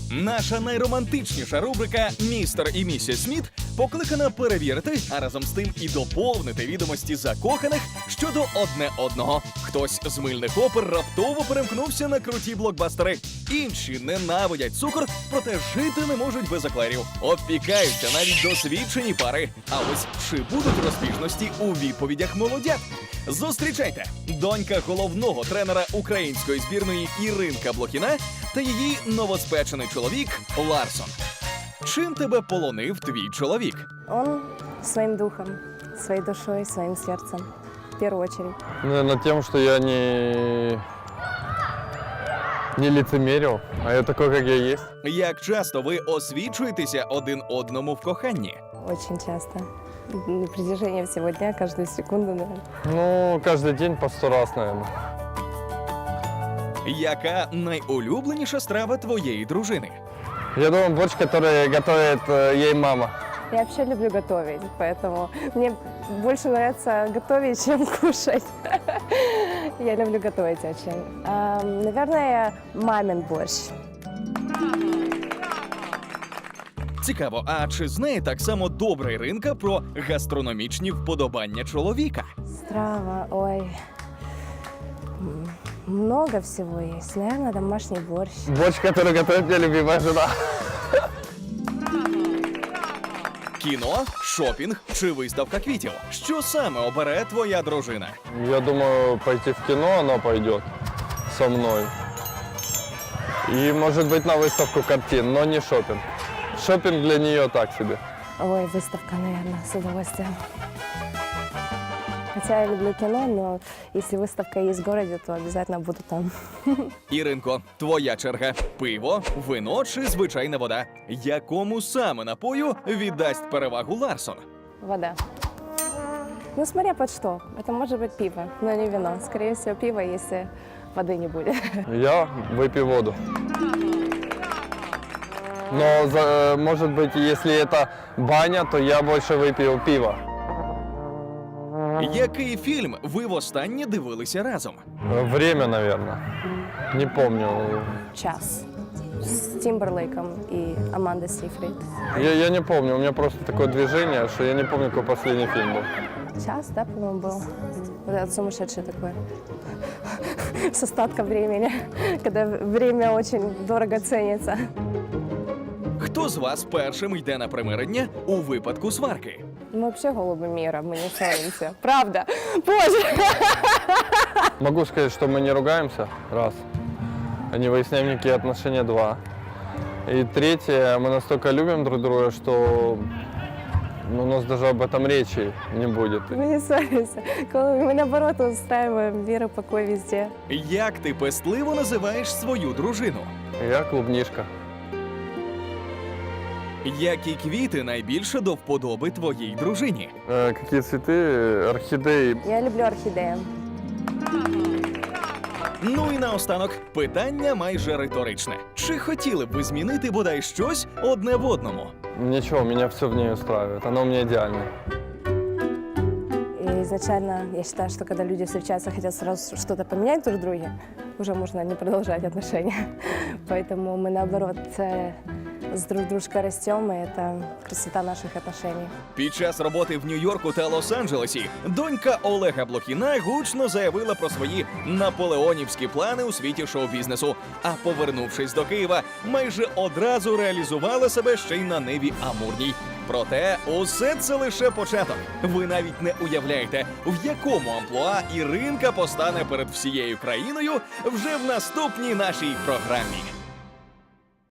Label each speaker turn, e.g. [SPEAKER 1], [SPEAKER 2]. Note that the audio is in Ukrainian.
[SPEAKER 1] Наша найромантичніша рубрика «Містер і місіс Сміт» покликана перевірити, а разом з тим і доповнити відомості закоханих щодо одне одного. Хтось з мильних опер раптово перемкнувся на круті блокбастери. Інші ненавидять цукор, проте жити не можуть без еклерів. Опікаються навіть досвідчені пари. А ось чи будуть розбіжності у відповідях молодят? Зустрічайте! Донька головного тренера української збірної Іринка Блохіна та її новоспечений чоловік Ларсон. Чим тебе полонив твій чоловік?
[SPEAKER 2] Он своим духом, своей душой, своим сердцем. В первую очередь.
[SPEAKER 3] Наверное, тем, что я не лицемерил, а я такой, как я есть.
[SPEAKER 1] Як часто ви освічуєтеся один одному в коханні?
[SPEAKER 2] Очень часто. На протяжении всего дня, каждую секунду, наверное.
[SPEAKER 3] Ну, каждый день по 100 раз, наверное.
[SPEAKER 1] Яка найулюбленіша страва твоєї дружини?
[SPEAKER 3] Я думаю, борщ, который готовит ей мама.
[SPEAKER 2] Я вообще люблю готовить, поэтому мне больше нравится готовить, чем кушать. Я люблю готовить очень. Наверное, мамин борщ.
[SPEAKER 1] Цікаво, а чи знає так само добра Іринка про гастрономічні вподобання чоловіка?
[SPEAKER 2] Страва, ой. Много всего есть. Наверное, домашний борщ.
[SPEAKER 3] Борщ, который готовит мне любимая жена.
[SPEAKER 1] Кіно, шопінг чи виставка квітів? Що саме обере твоя дружина?
[SPEAKER 3] Я думаю, пойти в кино она пойдет со мной. И, может быть, на выставку картин, но не шопинг. Шопинг для нее так себе.
[SPEAKER 2] Ой, выставка, наверное, с удовольствием. Хотя я люблю кино, но если выставка есть в городе, то обязательно буду там.
[SPEAKER 1] Іринко, твоя черга. Пиво, вино чи звичайна вода? Якому саме напою віддасть перевагу Ларсон?
[SPEAKER 2] Вода. Ну, смотря под что. Это может быть пиво, но не вино. Скорее всего, пиво, если воды не будет.
[SPEAKER 3] Я выпью воду. Но, может быть, если это баня, то я больше выпью пиво.
[SPEAKER 1] Який фільм ви востаннє дивилися разом?
[SPEAKER 3] Время, наверное. Не помню.
[SPEAKER 2] Час. С Тимберлейком и Амандой Сейфрид.
[SPEAKER 3] Я не помню, у меня просто такое движение, что я не помню, какой последний фильм был.
[SPEAKER 2] Час, да, по-моему, был. Вот этот сумасшедший такой. С остатком времени, когда время очень дорого ценится.
[SPEAKER 1] Хто з вас першим йде на примирення у випадку сварки?
[SPEAKER 2] Мы вообще голуби мира, мы не ссоримся. Правда. Боже!
[SPEAKER 3] Могу сказать, что мы не ругаемся, раз. Не выясняем никакие отношения, два. И третье, мы настолько любим друг друга, что у нас даже об этом речи не будет.
[SPEAKER 2] Мы не ссоримся. Мы, наоборот, устраиваем мир и покой везде.
[SPEAKER 1] Як ти пестливо називаєш свою дружину?
[SPEAKER 3] Я клубнишка.
[SPEAKER 1] Які квіти найбільше до вподоби твоїй дружині?
[SPEAKER 3] Какие цветы? Орхидеи.
[SPEAKER 2] Я люблю орхидеи.
[SPEAKER 1] Ну і наостанок, питання майже риторичне. Чи хотіли б ви змінити бодай щось одне в одному?
[SPEAKER 3] Ничего, меня все в ней устраивает. Она у меня идеальная.
[SPEAKER 2] И изначально я считаю, что когда люди встречаются, хотят сразу что-то поменять друг в друге, уже можно не продолжать отношения. Поэтому мы, наоборот, с друг дружкой растем, и это красота наших отношений.
[SPEAKER 1] Під час роботи в Нью-Йорку та Лос-Анджелесі донька Олега Блохіна гучно заявила про свої наполеонівські плани у світі шоу-бізнесу. А повернувшись до Києва, майже одразу реалізувала себе ще й на Ниві Амурній. Проте усе це лише початок. Ви навіть не уявляєте, в якому амплуа Іринка постане перед всією країною вже в наступній нашій програмі.